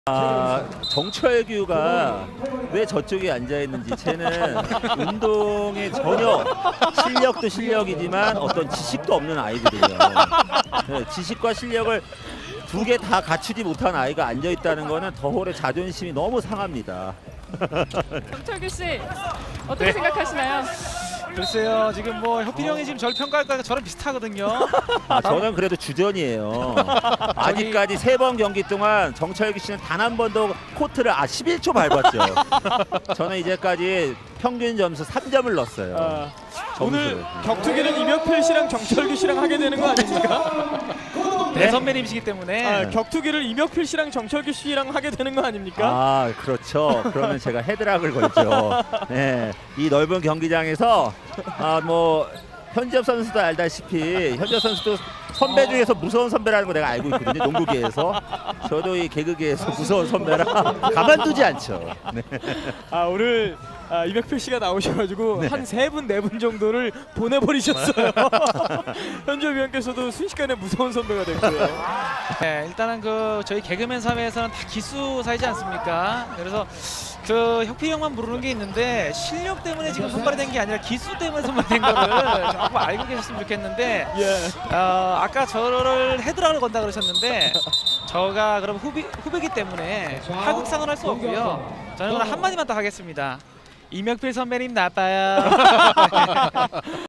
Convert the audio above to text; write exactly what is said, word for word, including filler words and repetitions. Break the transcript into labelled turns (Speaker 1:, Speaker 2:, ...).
Speaker 1: 아, 정철규가 왜 저쪽에 앉아있는지 쟤는 운동에 전혀 실력도 실력이지만 어떤 지식도 없는 아이들이에요. 네, 지식과 실력을 두 개 다 갖추지 못한 아이가 앉아있다는 거는 더홀의 자존심이 너무 상합니다.
Speaker 2: 정철규 씨 어떻게
Speaker 3: 네.
Speaker 2: 생각하시나요?
Speaker 3: 글쎄요, 지금 뭐 혁필이 형이 지금 저를 평가할까 저랑 비슷하거든요.
Speaker 1: 아, 저는 그래도 주전이에요. 아직까지 세 번 경기 동안 정철규 씨는 단 한 번도 코트를 아 십일 초 밟았죠. 저는 이제까지 평균 점수 삼 점을 넣었어요.
Speaker 4: 아,
Speaker 1: 점수를.
Speaker 4: 오늘 격투기는 이명필 씨랑 정철규 씨랑 하게 되는 거 아닙니까?
Speaker 3: 네, 선배님이시기 때문에
Speaker 4: 아, 격투기를 이명필 씨랑 정철규 씨랑 하게 되는 거 아닙니까?
Speaker 1: 아, 그렇죠. 그러면 제가 헤드락을 걸죠. 네, 이 넓은 경기장에서 아, 뭐 현지엽 선수도 알다시피 현지엽 선수도 선배 중에서 무서운 선배라는 거 내가 알고 있거든요. 농구계에서. 저도 이 개그계에서 무서운 선배라 가만두지 않죠. 네.
Speaker 4: 아, 오늘 아, 이명필 씨가 나오셔가지고
Speaker 1: 네.
Speaker 4: 한 세 분 네 분 정도를 보내버리셨어요. 현지엽 위원께서도 순식간에 무서운 선배가 됐고요.
Speaker 3: 네, 일단은 그 저희 개그맨 사회에서는 다 기수 사이지 않습니까? 그래서 그 혁필이 형만 부르는 게 있는데 실력 때문에 지금 선발이 된 게 아니라 기수 때문에 선발이 된 거를 조금 알고 계셨으면 좋겠는데
Speaker 4: 예.
Speaker 3: 어, 아까 저를 헤드락을 건다 그러셨는데 저가 그럼 후배, 후배기 때문에 하극상은 할 수 없고요. 저는 그럼 한마디만 더 하겠습니다. 이명필 선배님 나빠요.